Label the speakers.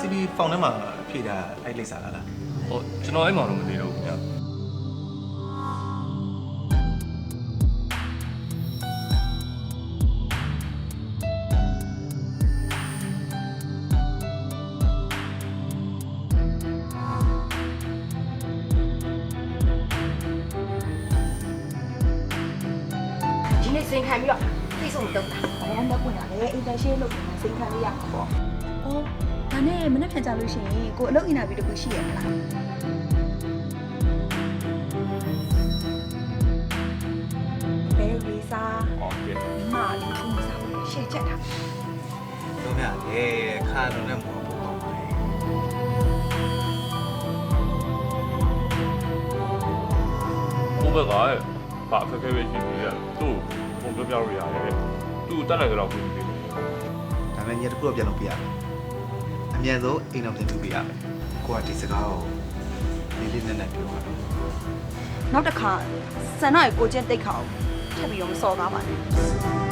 Speaker 1: CB ဖောင်ထဲမှာဖြည့်တာအဲ့လိပ်စာလား
Speaker 2: ဟိုကျွန်တော်အဲ့မှာတော့မသိတော့ဘူးဗျာ
Speaker 3: ဒီနေ့စိန်ခံပြီးတော့သိဆုံးတုံးတာ
Speaker 4: ဘာမှမပွင့်ရလေအင်တာရှင်းလုပ်ပြီးစိန်ခံလေးရမှာပေါ့။အော်ဒါနဲ့မနေ့ဖြန်ကြလို့ရှိရင်ကိုအလုပ်အင်တာဗျူးတစ်ခုရှိရမလား။ဘယ်ဗီဇာ
Speaker 2: ဟုတ်ကဲ့
Speaker 4: မာလီကူစာရှေ့ချက်တာ
Speaker 1: တော့မြလေခါလုံးနဲ့မဟုတ်ဘူးပေါ့ပါလေ
Speaker 2: ဘိုးဘက်ကဘာအခက်အခဲပဲရှိနေရသူ့ပုံပြောပြလို့ရတယ်သူ့တက်လိုက်တော့ပြင်ပြင်နေ
Speaker 1: ဒါပေမဲ့ညတစ်ခုတော့ပြန်လုပ်ပြရမယ်အမြန်ဆုံးအိမ်တော်ပြန်ပြုပြရမယ်ကိုကဒီစကားကိုလေးလေးနက်နက်ပြောပါတော့
Speaker 4: ။နောက်တစ်ခါဆန္ဒကိုကိုချင်းတိတ်ခါအောင်ထပ်ပြီးတော့မစော်ကားပါနဲ့။